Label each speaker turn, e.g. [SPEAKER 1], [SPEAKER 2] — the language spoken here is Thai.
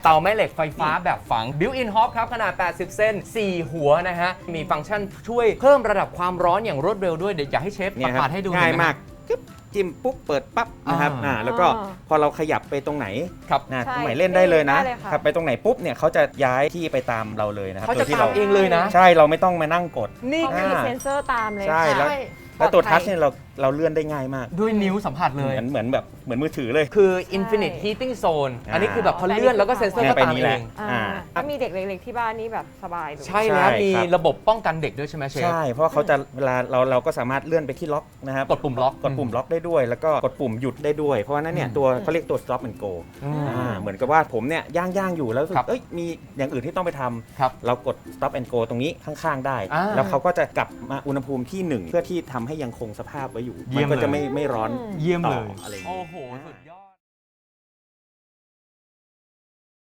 [SPEAKER 1] เตาแม่เหล็กไฟฟ้าแบบฝัง Built-in Hob ครับขนาด 80 เซน 4 หัวนะฮะ มีฟังก์ชันช่วยเพิ่มระดับความร้อนอย่างรวดเร็วด้วย เดี๋ยวอยากให้เชฟประกาศให้ดู
[SPEAKER 2] ง่ายมากจิ้มปุ๊บเปิดปั๊บนะครับแล้วก็พอเราขยับไปตรงไหน
[SPEAKER 1] ครับ
[SPEAKER 2] ตรงไหนเล่นได้เลยนะ
[SPEAKER 3] ได้เลยค่ะ
[SPEAKER 2] ครับไปตรงไหนปุ๊บเนี่ยเขาจะย้ายที่ไปตามเราเลยนะครับ
[SPEAKER 1] เขาจะ
[SPEAKER 2] โดยที่
[SPEAKER 1] ตามเองเลยนะ
[SPEAKER 2] ใช่เราไม่ต้องมานั่งกด
[SPEAKER 1] นี่
[SPEAKER 3] เขามีเซ็นเซอร์ตามเลย
[SPEAKER 2] ใช่
[SPEAKER 3] ค่ะ
[SPEAKER 2] แล้วตัวทัชเนี่ยเราเลื่อนได้ง่ายมาก
[SPEAKER 1] ด้วยนิ้วสัมผัสเลย
[SPEAKER 2] เหมือนมือถือเลย
[SPEAKER 1] คือ Infinite Heating Zone อันนี้คือแบบพอเลื่อนแล้วก็เซ็นเซอร์
[SPEAKER 2] เนี่ย
[SPEAKER 1] ก็
[SPEAKER 2] ไป
[SPEAKER 1] ตาม
[SPEAKER 2] นี้
[SPEAKER 1] เอ
[SPEAKER 2] แหละ
[SPEAKER 1] ง
[SPEAKER 3] ถ้ามีเด็กเล็กๆที่บ้านนี่แบบสบายเลย
[SPEAKER 1] ใช่แล้ว
[SPEAKER 2] ใช่
[SPEAKER 1] มี
[SPEAKER 2] ครับ
[SPEAKER 1] ระบบป้องกันเด็กด้วยใช่ไหมเชฟ
[SPEAKER 2] ใช่เพราะเขาจะเวลาเราก็สามารถเลื่อนไปที่ล็อกนะครับ
[SPEAKER 1] กดปุ่มล็อก
[SPEAKER 2] กดปุ่มล็อกได้ด้วย แล้วก็กดปุ่มหยุดได้ด้วย เพราะว่านั้นเนี่ยตัวเขาเรียกตัว stop and go เหมือนกับว่าผมเนี่ยย่างอยู่แล้วรู้สึก
[SPEAKER 1] ครับ
[SPEAKER 2] มีอย่างอื่นที่ต้องไปท
[SPEAKER 1] ครับ
[SPEAKER 2] ำเรากด stop and go ตรงนี้ข้างๆได้ แล้วเขาก็จะกลับมาอุณหภูมิที่1เพื่อที่ทำให้ยังคงสภาพไว้อยู่
[SPEAKER 1] เยี่ยม
[SPEAKER 2] มันก็จะ
[SPEAKER 1] เลย
[SPEAKER 2] ไม่ร้อน
[SPEAKER 1] เยี่ยมเลย
[SPEAKER 2] ต่ออะไรอย่าง
[SPEAKER 1] โอ้
[SPEAKER 2] นี้
[SPEAKER 1] โห สุดยอด